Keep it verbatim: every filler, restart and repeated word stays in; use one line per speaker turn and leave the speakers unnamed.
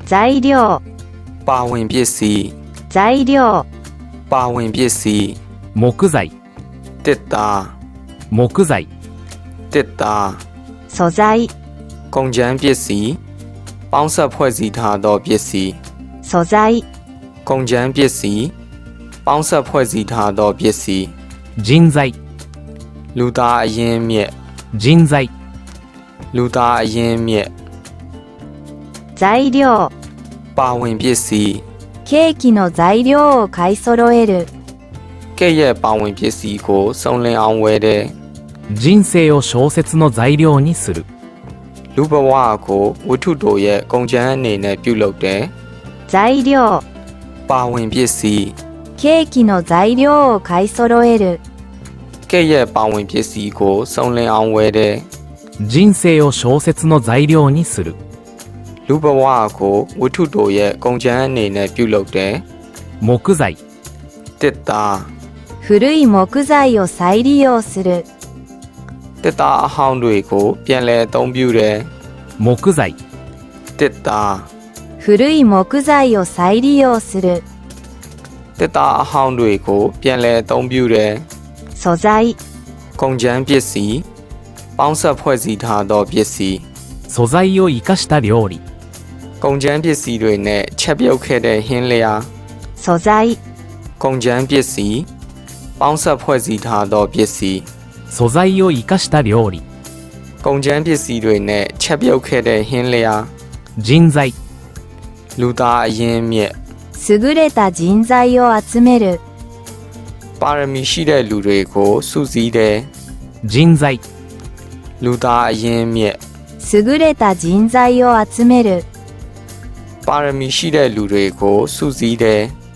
材料、
ပါဝင်ပစ္စည်း
材料、
ပါဝင်ပစ္စည်း
木材、
တစ်သား
木材、
တစ်သား
素材、
ကုန်ကြမ်းပစ္စည်းပေါင်းစပ်ဖွဲ့စည်းထားသောပစ္စည်း
素材、
ကုန်ကြမ်းပစ္စည်းပေါင်းစပ်ဖွဲ့စည်းထားသောပစ္စည်း
人材、
လူသားအရင်းမြစ်
人材、
လူသားအရင်းမြစ်
材料、
ပါဝင်ပစ္စည်း
ケーキの材料を買い揃える。
ကဲ့ရဲ့ပါဝင်ပစ္စည်းကိုစုံလင်အောင်ဝယ်တဲ့
人生を小説の材料にする。
လူဘဝကိုဝတ္ထုတို့ရဲ့ကုန်ကြမ်းအနေနဲ့ပြုလုပ်တဲ့
材料、
ပါဝင်ပစ္စည်း
ケーキの材料を買い揃える。
ကဲ့ရဲ့ပါဝင်ပစ္စည်းကိုစုံလင်အောင်ဝယ်တဲ့
人生を小説の材料にする。
လူဘဝကိုဝတ္ထုတို့ရဲ့ကုန်ကြမ်းအနေနဲ့ပြုလုပ်တဲ့
木材、
တစ်သား
古い木材を再利用する。
တစ်သားအဟောင်းတွေကိုပြန်လည်အသုံးပြုတဲ့
木材、
တစ်သား
古い木材を再利用する。
တစ်သားအဟောင်းတွေကိုပြန်လည်အသုံးပြုတဲ့
素材、
ကုန်ကြမ်းပစ္စည်းပေါင်းစပ်ဖွဲ့စည်းထားသောပစ္စည်း
素材を生かした料理。
ကုန်ကြမ်းပစ္စည်းတွေနဲ့ချက်ပြုတ်ခဲ့တဲ့ဟင်းလျာ
素材、
ကုန်ကြမ်းပစ္စည်းပေါင်းစပ်ဖွဲ့စည်းထားသောပစ္စည်း
素材を生かした料理。
ကုန်ကြမ်းပစ္စည်းတွေနဲ့ချက်ပြုတ်ခဲ့တဲ့ဟင်းလျာ
人材、
လူသားအရင်းမြစ်
優れた人材を集める。
ပါရမီရှိတဲ့လူတွေကိုစုစည်းတဲ့
人材、
လူသားအရင်းမြစ်
優れた人材を集める。
ပါရမီရှိတဲ့လူတွေကိုစုစည်းတဲ့